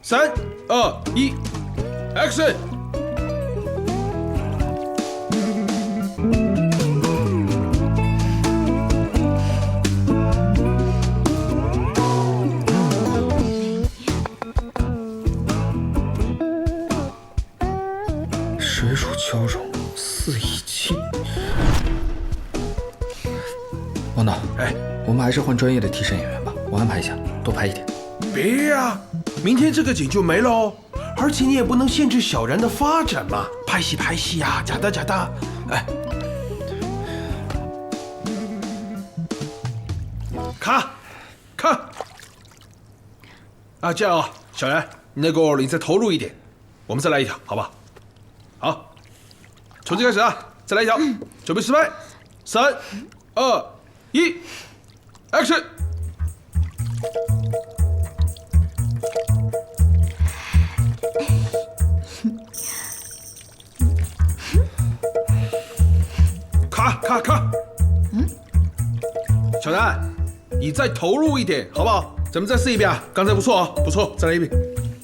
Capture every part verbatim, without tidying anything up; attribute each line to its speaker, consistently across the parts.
Speaker 1: 三二一 ，Action！
Speaker 2: 水乳交融，四一气。王导，
Speaker 1: 哎，
Speaker 2: 我们还是换专业的替身演员吧，我安排一下，多拍一点。
Speaker 1: 别呀、明天这个景就没了哦。而且你也不能限制小然的发展嘛，拍戏拍戏呀、假的假的。哎，卡卡啊，这样啊，小然，那个你再投入一点，我们再来一条，好吧？好，从这开始啊，再来一条，准备失败，三二一 ，Action！ 卡卡卡！嗯，小然，你再投入一点，好不好？咱们再试一遍啊，刚才不错啊，不错，再来一遍。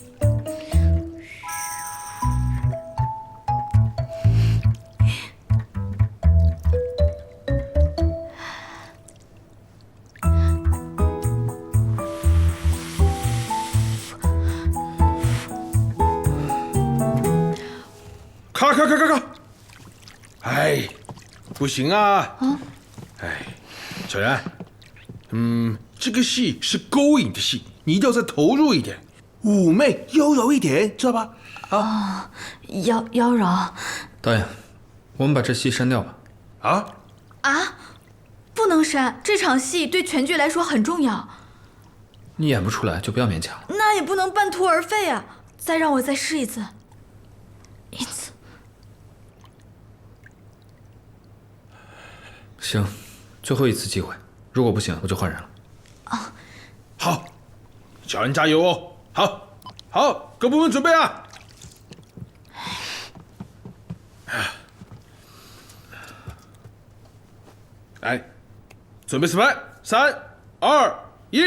Speaker 1: 卡卡卡卡卡！哎，不行啊！啊，哎，小然，嗯，这个戏是勾引的戏，你一定要再投入一点，妩媚妖娆一点，知道吧？
Speaker 3: 啊，妖妖娆。
Speaker 2: 导演，我们把这戏删掉吧。
Speaker 1: 啊
Speaker 3: 啊，不能删，这场戏对全剧来说很重要。
Speaker 2: 你演不出来就不要勉强了。
Speaker 3: 那也不能半途而废啊！再让我再试一次，一次。
Speaker 2: 行，最后一次机会，如果不行，我就换人了。
Speaker 3: 啊，
Speaker 1: 好，小然加油哦！好，好，各部门准备啊！来，准备示范，三、二、一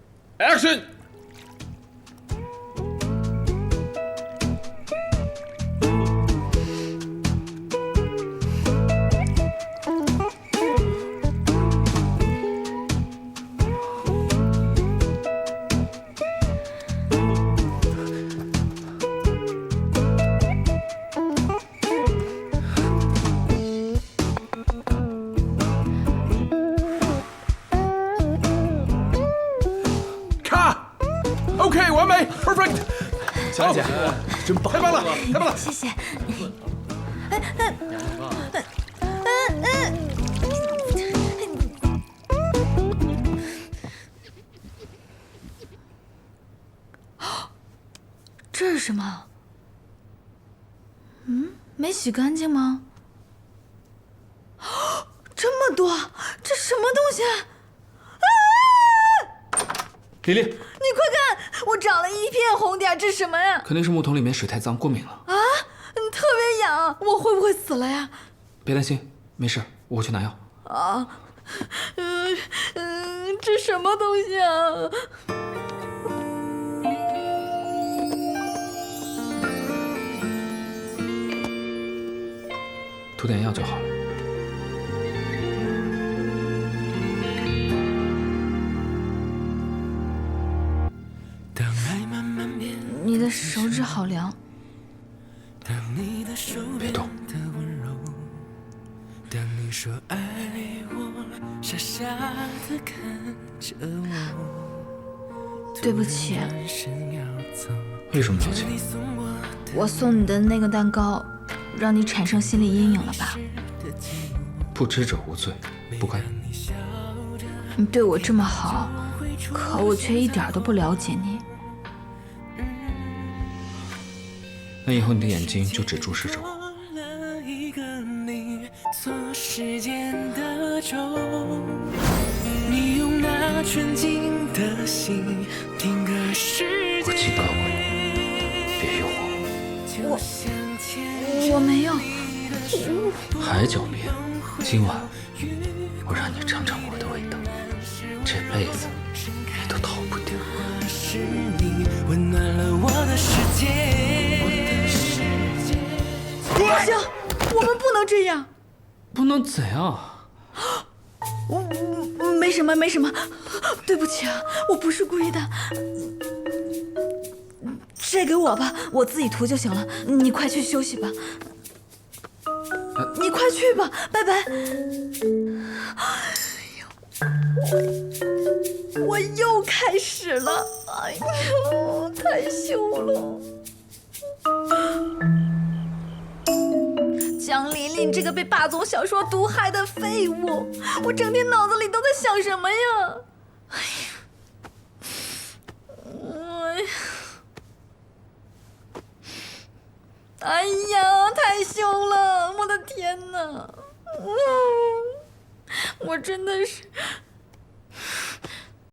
Speaker 1: ，Action！OK， 完美 ，perfect。
Speaker 2: 小兰姐，真棒，
Speaker 1: 太棒了，太棒了！
Speaker 3: 谢谢。这是什么？嗯，没洗干净吗？这么多，这什么东西啊？
Speaker 2: 李丽，
Speaker 3: 你快看，我长了一片红点，这是什么呀？
Speaker 2: 肯定是木桶里面水太脏，过敏了。
Speaker 3: 啊，特别痒，我会不会死了呀？
Speaker 2: 别担心，没事，我去拿药。
Speaker 3: 啊，嗯嗯，这什么东西啊？
Speaker 2: 涂点药就好了。
Speaker 3: 你的手指好凉。
Speaker 2: 别动。
Speaker 4: 当你说爱我，傻傻地看着我。
Speaker 3: 对不起。
Speaker 2: 为什么道歉？
Speaker 3: 我送你的那个蛋糕，让你产生心理阴影了吧？
Speaker 2: 不知者无罪，不该。
Speaker 3: 你对我这么好，可我却一点都不了解你。
Speaker 2: 那以后你的眼睛就只注视着我。
Speaker 4: 错时间的钟，你用那纯净的心定格世界。
Speaker 2: 我警告过你，别诱惑
Speaker 3: 我。我没有。
Speaker 2: 还狡辩？今晚我让你尝尝我的味道，这辈子你都逃不掉。
Speaker 4: 是你温暖了我的
Speaker 3: 不行，我们不能这样。
Speaker 2: 不能怎样？
Speaker 3: 我没什么，没什么，对不起啊，我不是故意的。这给我吧，我自己涂就行了。你快去休息吧。你快去吧，拜拜。哎呦，我又开始了，哎呦，太羞了。江琳琳这个被霸总小说毒害的废物，我整天脑子里都在想什么呀？哎呀，哎呀，哎呀，太羞了！我的天哪，嗯，我真的是